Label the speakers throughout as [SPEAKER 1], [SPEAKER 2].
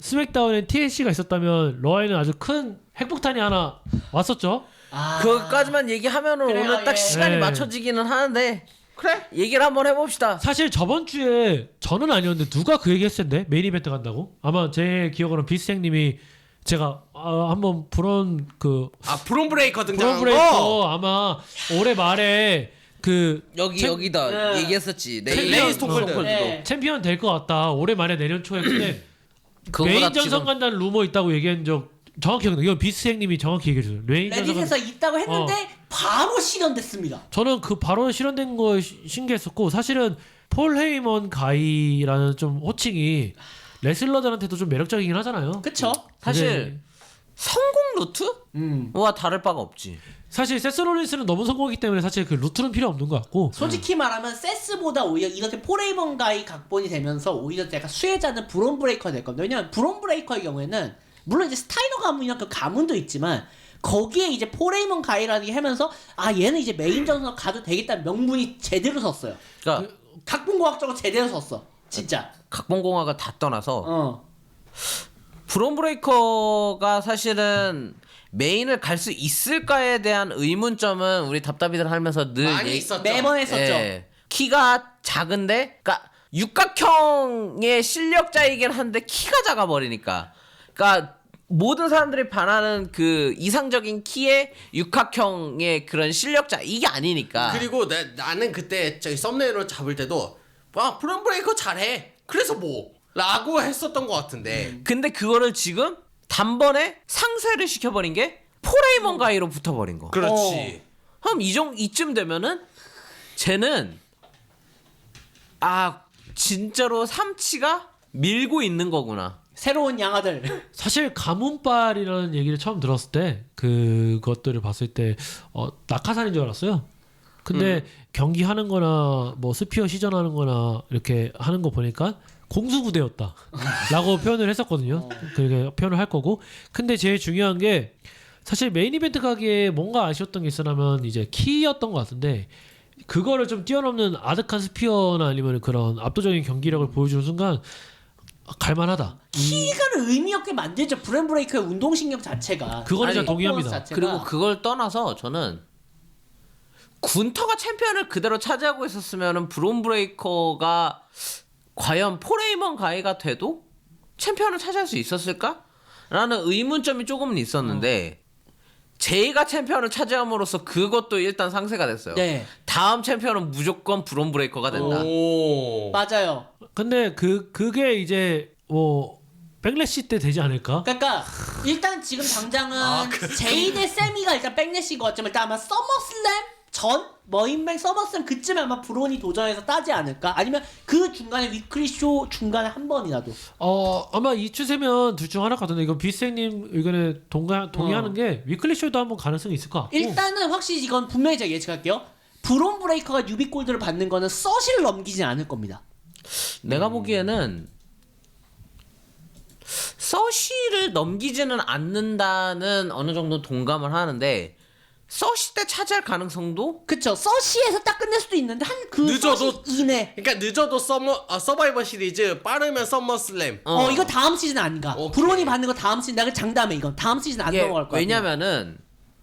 [SPEAKER 1] 스맥다운엔 TLC가 있었다면 러에는 아주 큰 핵폭탄이 하나 왔었죠.
[SPEAKER 2] 그것까지만 얘기하면은
[SPEAKER 3] 그래요,
[SPEAKER 2] 오늘 딱
[SPEAKER 3] 예.
[SPEAKER 2] 시간이
[SPEAKER 1] 네.
[SPEAKER 2] 맞춰지기는 하는데
[SPEAKER 3] 그래.
[SPEAKER 2] 얘기를 한번 해봅시다.
[SPEAKER 1] 사실 저번 주에 저는 아니었는데 누가 그 얘기 했을 텐데 메인 이벤트 간다고? 아마 제 기억으로는 비스생님이 제가 한번 브론
[SPEAKER 4] 브론 브레이커 등장한 거.
[SPEAKER 1] 브레이커 아마 올해 말에
[SPEAKER 2] 여기다
[SPEAKER 3] 네.
[SPEAKER 2] 얘기했었지.
[SPEAKER 1] 레인
[SPEAKER 4] 스톤콜드.
[SPEAKER 3] 네.
[SPEAKER 1] 챔피언 될 것 같다. 올해 말에 내년 초에 근데
[SPEAKER 2] 그거보다
[SPEAKER 1] 메인 전선
[SPEAKER 2] 지금
[SPEAKER 1] 간다는 루머 있다고 얘기한 적 정확히 기억나요. 이건 비스생님이 정확히 얘기해 주세요. 메인 전선
[SPEAKER 3] 레딧에서 있다고 했는데 바로 실현됐습니다.
[SPEAKER 1] 저는 그 바로 실현된 거 신기했었고 사실은 폴 헤이먼 가이라는 좀 호칭이 레슬러들한테도 좀 매력적이긴 하잖아요.
[SPEAKER 3] 그쵸?
[SPEAKER 2] 사실 성공 루트와 다를 바가 없지.
[SPEAKER 1] 사실 세스 롤린스는 너무 성공했기 때문에 사실 그 루트는 필요 없는 것 같고
[SPEAKER 3] 솔직히 말하면 세스보다 오히려 이렇게 포레이먼 가이 각본이 되면서 오히려 약간 수혜자는 브론 브레이커가 될 겁니다. 왜냐면 브론 브레이커의 경우에는 물론 이제 스타이너 가문이나 그 가문도 있지만 거기에 이제 포레이먼 가이라는 게 하면서 얘는 이제 메인 전선 가도 되겠다는 명분이 제대로 섰어요.
[SPEAKER 2] 그러니까
[SPEAKER 3] 각본공학적으로 제대로 섰어. 진짜.
[SPEAKER 2] 각본공학을 다 떠나서
[SPEAKER 4] 브론 브레이커가 사실은 메인을 갈 수 있을까에 대한
[SPEAKER 2] 의문점은 우리 답답이들 하면서 늘
[SPEAKER 4] 많이 있었죠.
[SPEAKER 3] 매번 했었죠.
[SPEAKER 2] 예. 키가 작은데, 그러니까 육각형의 실력자이긴 한데 키가 작아 버리니까. 그러니까 모든 사람들이 반하는 그 이상적인 키의 육각형의 그런 실력자 이게 아니니까.
[SPEAKER 4] 그리고 나는 그때 저기 썸네일로 잡을 때도 브론 브레이커 잘해. 그래서 뭐 라고 했었던 것 같은데.
[SPEAKER 2] 근데 그거를 지금 단번에 상쇄를 시켜버린 게 포레이먼 가이로 붙어버린 거.
[SPEAKER 4] 그렇지.
[SPEAKER 2] 그럼 이쯤 되면은 쟤는 진짜로 삼치가 밀고 있는 거구나.
[SPEAKER 3] 새로운 양아들.
[SPEAKER 1] 사실 가문빨이라는 얘기를 처음 들었을 때 그것들을 봤을 때 낙하산인 줄 알았어요. 근데 경기하는 거나 뭐 스피어 시전하는 거나 이렇게 하는 거 보니까 공수부대였다 라고 표현을 했었거든요. 그렇게 표현을 할 거고. 근데 제일 중요한 게 사실 메인 이벤트 가기에 뭔가 아쉬웠던 게 있으라면 이제 키였던 것 같은데 그거를 좀 뛰어넘는 아득한 스피어나 아니면 그런 압도적인 경기력을 보여주는 순간 갈만하다.
[SPEAKER 3] 키가를 의미 없게 만들죠. 브랜 브레이커의 운동신경 자체가.
[SPEAKER 1] 그거는 진짜
[SPEAKER 3] 아니,
[SPEAKER 1] 동의합니다.
[SPEAKER 3] 퍼포먼스 자체가.
[SPEAKER 2] 그리고 그걸 떠나서 저는 군터가 챔피언을 그대로 차지하고 있었으면은 브론 브레이커가 과연 포레이먼 가이가 돼도 챔피언을 차지할 수 있었을까? 라는 의문점이 조금은 있었는데 제이가 챔피언을 차지함으로써 그것도 일단 상쇄가 됐어요.
[SPEAKER 3] 네.
[SPEAKER 2] 다음 챔피언은 무조건 브론 브레이커가 된다.
[SPEAKER 4] 오.
[SPEAKER 3] 맞아요.
[SPEAKER 1] 근데 그게 이제 뭐 백래시 때 되지 않을까?
[SPEAKER 3] 그러니까 일단 지금 당장은 제이 대 세미가 일단 백래시인 것 같지만 일단 아마 서머슬램 전 머인뱅 서머슬램 그쯤에 아마 브론이 도전해서 따지 않을까? 아니면 그 중간에 위클리 쇼 중간에 한 번이라도.
[SPEAKER 1] 아마 이 추세면 둘 중 하나 같은데 이건 비스생님 의견에 동의하는 게 위클리 쇼도 한번 가능성이 있을 것 같고.
[SPEAKER 3] 일단은 확실히 이건 분명히 제가 예측할게요. 브론 브레이커가 뉴비골드를 받는 거는 서시를 넘기진 않을 겁니다.
[SPEAKER 2] 내가 보기에는 서시를 넘기지는 않는다는 어느 정도 동감을 하는데 서시 때 차지할 가능성도
[SPEAKER 3] 그쵸. 서시에서 딱 끝낼 수도 있는데 한 그
[SPEAKER 4] 늦어도-
[SPEAKER 3] 서시 이내.
[SPEAKER 4] 그러니까 늦어도 서바이벌 시리즈 빠르면 썸머슬램.
[SPEAKER 3] 이거 다음 시즌 아닌가.
[SPEAKER 4] 오케이.
[SPEAKER 3] 브론이 받는 거 다음 시즌. 내가 장담해 이건. 다음 시즌 안
[SPEAKER 2] 이게
[SPEAKER 3] 넘어갈 거야.
[SPEAKER 2] 왜냐면은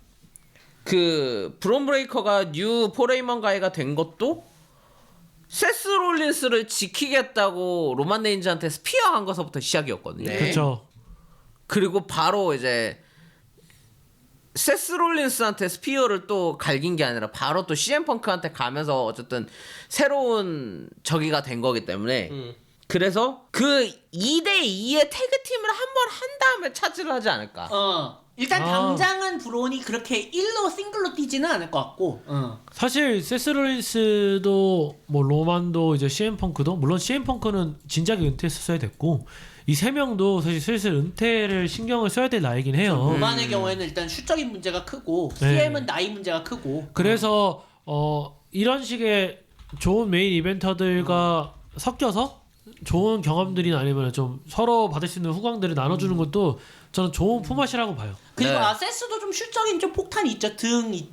[SPEAKER 2] 그 브론 브레이커가 뉴 포레이먼 가이가 된 것도 세스 롤린스를 지키겠다고 로만 레인즈한테 스피어 한 거서부터 시작이었거든요.
[SPEAKER 4] 네.
[SPEAKER 1] 그렇죠.
[SPEAKER 2] 그리고 바로 이제 세스 롤린스한테 스피어를 또 갈긴 게 아니라 바로 또 CM 펑크한테 가면서 어쨌든 새로운 적이가 된 거기 때문에 그래서 그 2대2의 태그팀을 한번 한 다음에 차지를 하지 않을까.
[SPEAKER 3] 일단 당장은 브론이 그렇게 1로 싱글로 뛰지는 않을 것 같고.
[SPEAKER 1] 사실 세스 롤린스도 뭐 로만도 이제 CM 펑크도 물론 CM 펑크는 진작에 은퇴했었어야 됐고 이 세 명도 사실 슬슬 은퇴를 신경을 써야 될 나이긴 해요.
[SPEAKER 3] 로만의 경우에는 일단 슈적인 문제가 크고
[SPEAKER 1] 네.
[SPEAKER 3] CM은 나이 문제가 크고.
[SPEAKER 1] 그래서 이런 식의 좋은 메인 이벤터들과 섞여서 좋은 경험들이나 아니면 좀 서로 받을 수 있는 후광들을 나눠주는 것도 저는 좋은 포맷이라고 봐요.
[SPEAKER 3] 그리고
[SPEAKER 2] 네.
[SPEAKER 3] 아세스도 좀 슈적인 좀 폭탄이 있죠. 등 이쪽.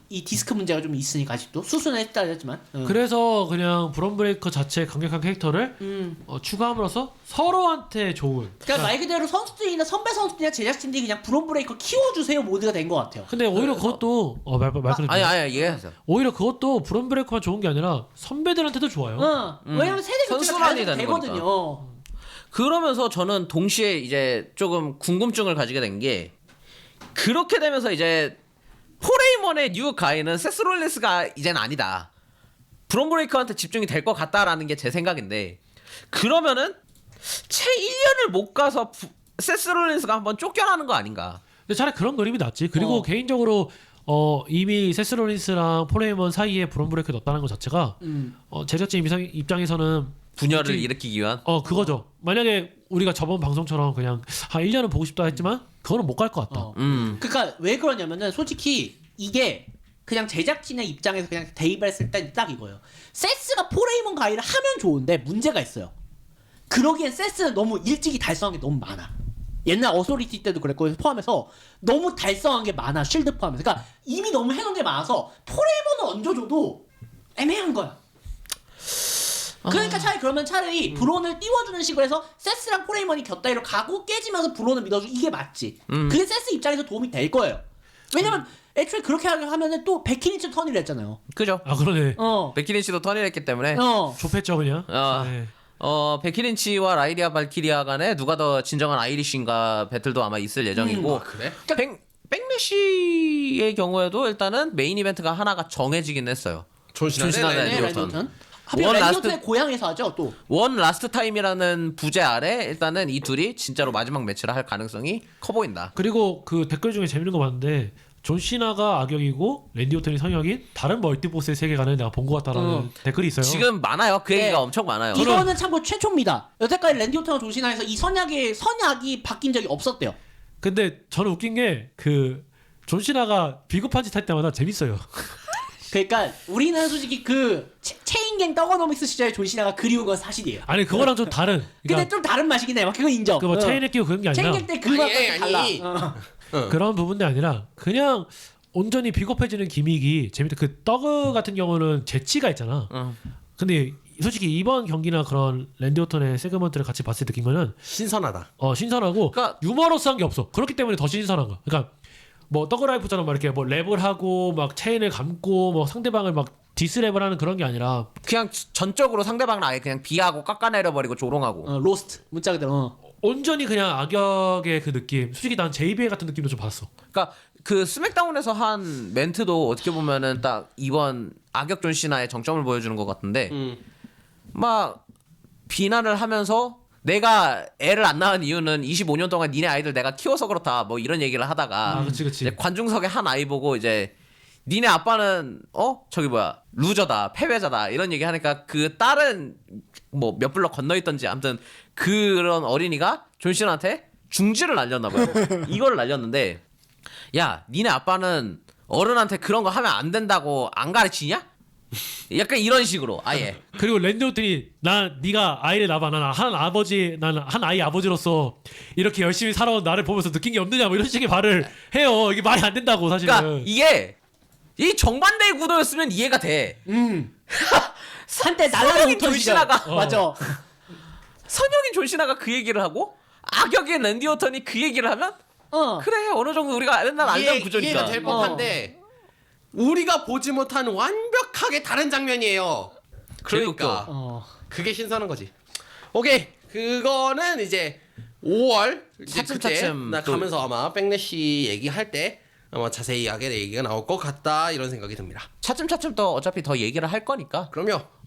[SPEAKER 3] 이 디스크 문제가 좀 있으니까 아직도 수순은 했다 했지만.
[SPEAKER 1] 그래서 그냥 브론 브레이커 자체 강력한 캐릭터를 추가함으로써 서로한테 좋은.
[SPEAKER 3] 그러니까 말 그대로 선수들이나 선배 선수들이나 제작진들이 그냥 브론 브레이커 키워주세요 모드가 된 것 같아요.
[SPEAKER 1] 근데 오히려 그것도 말 끊을게요.
[SPEAKER 2] 아니 얘기하세요.
[SPEAKER 1] 오히려 그것도 브론 브레이커만 좋은 게 아니라 선배들한테도 좋아요.
[SPEAKER 3] 왜냐면 세대 교체가
[SPEAKER 2] 선순환이
[SPEAKER 3] 잘
[SPEAKER 2] 되는
[SPEAKER 3] 되거든요.
[SPEAKER 2] 그러면서 저는 동시에 이제 조금 궁금증을 가지게 된 게 그렇게 되면서 이제 포레이먼의 뉴 가이는 세스 롤린스가 이제는 아니다. 브론 브레이커한테 집중이 될 것 같다라는 게 제 생각인데 그러면은 채 1년을 못 가서 세스 롤린스가 한번 쫓겨나는 거 아닌가?
[SPEAKER 1] 근데 차라리 그런 그림이 낫지. 그리고 개인적으로 이미 세스 롤린스랑 포레이먼 사이에 브론 브레이커 넣었다는 것 자체가 제작진 입장에서는
[SPEAKER 2] 분열을 일으키기 위한.
[SPEAKER 1] 그거죠. 만약에 우리가 저번 방송처럼 그냥 한 1년은 보고 싶다 했지만 그거는 못 갈 것 같다.
[SPEAKER 3] 그러니까 왜 그러냐면은 솔직히 이게 그냥 제작진의 입장에서 그냥 대입했을 때 딱 이거예요. 세스가 포레이먼 가이를 하면 좋은데 문제가 있어요. 그러기엔 세스는 너무 일찍이 달성한 게 너무 많아. 옛날 어소리티 때도 그랬고 포함해서 너무 달성한 게 많아. 쉴드 포함해서. 그러니까 이미 너무 해놓은 게 많아서 포레이먼을 얹어줘도 애매한 거야. 그러니까 차라리 브론을 띄워주는 식으로 해서 세스랑 포레이먼이 곁다리로 가고 깨지면서 브론을 밀어주고 이게 맞지. 그게 세스 입장에서 도움이 될 거예요. 왜냐면 애초에 그렇게 하면은 또 베키니치 턴이를 했잖아요.
[SPEAKER 2] 그죠?
[SPEAKER 1] 아 그러네.
[SPEAKER 2] 베키린치도 턴을 했기 때문에
[SPEAKER 1] 좁혔죠 그냥. 네.
[SPEAKER 2] 베키린치와 라이리아 발키리아 간에 누가 더 진정한 아이리쉬인가 배틀도 아마 있을 예정이고
[SPEAKER 4] 그래?
[SPEAKER 2] 백래시의 경우에도 일단은 메인 이벤트가 하나가 정해지긴 했어요.
[SPEAKER 4] 존시나
[SPEAKER 2] 네,
[SPEAKER 3] 랜디오턴. 하필
[SPEAKER 2] 원
[SPEAKER 3] 랜디오턴의 고향에서 하죠 또.
[SPEAKER 2] 원 라스트 타임이라는 부제 아래 일단은 이 둘이 진짜로 마지막 매치를 할 가능성이 커 보인다.
[SPEAKER 1] 그리고 그 댓글 중에 재밌는 거 봤는데 존 시나가 악역이고 랜디 오튼이 성역인 다른 멀티보스의 세계관을 내가 본 것 같다라는 댓글이 있어요.
[SPEAKER 2] 지금 많아요. 그 얘기가 엄청 많아요.
[SPEAKER 3] 이거는 참고 최초입니다. 여태까지 랜디오턴과 존시나에서 이 선약이 바뀐 적이 없었대요.
[SPEAKER 1] 근데 저는 웃긴 게 그 존 시나가 비겁한 짓 할 때마다 재밌어요.
[SPEAKER 3] 그러니까 우리는 솔직히 그 체인갱 떡어노믹스 시절에 존시나가 그리운 건 사실이에요.
[SPEAKER 1] 아니 그거랑 좀 다른.
[SPEAKER 3] 근데 좀 다른 맛이긴 해. 그거 인정.
[SPEAKER 1] 그뭐 체인에 끼고 그런 게 아니라
[SPEAKER 3] 체인갱 때 그 맛이 달라.
[SPEAKER 1] 그런 부분도 아니라 그냥 온전히 비겁해지는 기믹이 재밌다. 그 떡 같은 경우는 재치가 있잖아. 근데 솔직히 이번 경기나 그런 랜디 오턴의 세그먼트를 같이 봤을 때 느낀 거는
[SPEAKER 4] 신선하다.
[SPEAKER 1] 신선하고
[SPEAKER 2] 그러니까
[SPEAKER 1] 유머러스한 게 없어. 그렇기 때문에 더 신선한 거야. 그러니까 뭐 더그라이프처럼 막 이렇게 뭐 랩을 하고 막 체인을 감고 뭐 상대방을 막 디스랩을 하는 그런 게 아니라
[SPEAKER 2] 그냥 전적으로 상대방을 아예 그냥 비하고 깎아내려버리고 조롱하고.
[SPEAKER 3] 로스트 문자 그대로.
[SPEAKER 1] 온전히 그냥 악역의 그 느낌. 솔직히 난 JBL 같은 느낌도 좀 받았어.
[SPEAKER 2] 그러니까 그 스맥다운에서 한 멘트도 어떻게 보면은 딱 이번 악역 존 시나의 정점을 보여주는 것 같은데 막 비난을 하면서 내가 애를 안 낳은 이유는 25년 동안 니네 아이들 내가 키워서 그렇다 뭐 이런 얘기를 하다가
[SPEAKER 1] 그치.
[SPEAKER 2] 이제 관중석에 한 아이 보고 이제 니네 아빠는 저기 뭐야 루저다 패배자다 이런 얘기 하니까 그 딸은 뭐 몇 블럭 건너 있던지 아무튼 그런 어린이가 존 시나한테 중지를 날렸나 봐요. 이걸 날렸는데 야 니네 아빠는 어른한테 그런 거 하면 안 된다고 안 가르치냐? 약간 이런 식으로 아예.
[SPEAKER 1] 그리고 랜디 오튼이 네가 아이를 낳아. 난 한 아이 아버지로서 이렇게 열심히 살아온 나를 보면서 느낀 게 없느냐 뭐 이런 식의 말을 해요. 이게 말이 안 된다고 사실은.
[SPEAKER 2] 그러니까 이게 이 정반대의 구도였으면 이해가 돼.
[SPEAKER 3] 한때 날라리
[SPEAKER 2] 선역인
[SPEAKER 3] 오턴
[SPEAKER 2] 존
[SPEAKER 3] 시절.
[SPEAKER 2] 시나가
[SPEAKER 3] 맞아.
[SPEAKER 2] 선역인 존 시나가 그 얘기를 하고 악역인 랜디 오턴이 그 얘기를 하면 그래 어느 정도 우리가 맨날 알던 구조니까.
[SPEAKER 4] 이해가 될 법한데 우리가 보지 못한 완벽하게 다른 장면이에요. 그러니까 그게 신선한 거지. 오케이 그거는 이제 5월 이제 그때
[SPEAKER 2] 차츰
[SPEAKER 4] 나 가면서 아마 백래시 얘기할 때 아마 자세히하게 얘기가 나올 것 같다 이런 생각이 듭니다.
[SPEAKER 2] 차츰 또 어차피 더 얘기를 할 거니까.
[SPEAKER 4] 그럼요.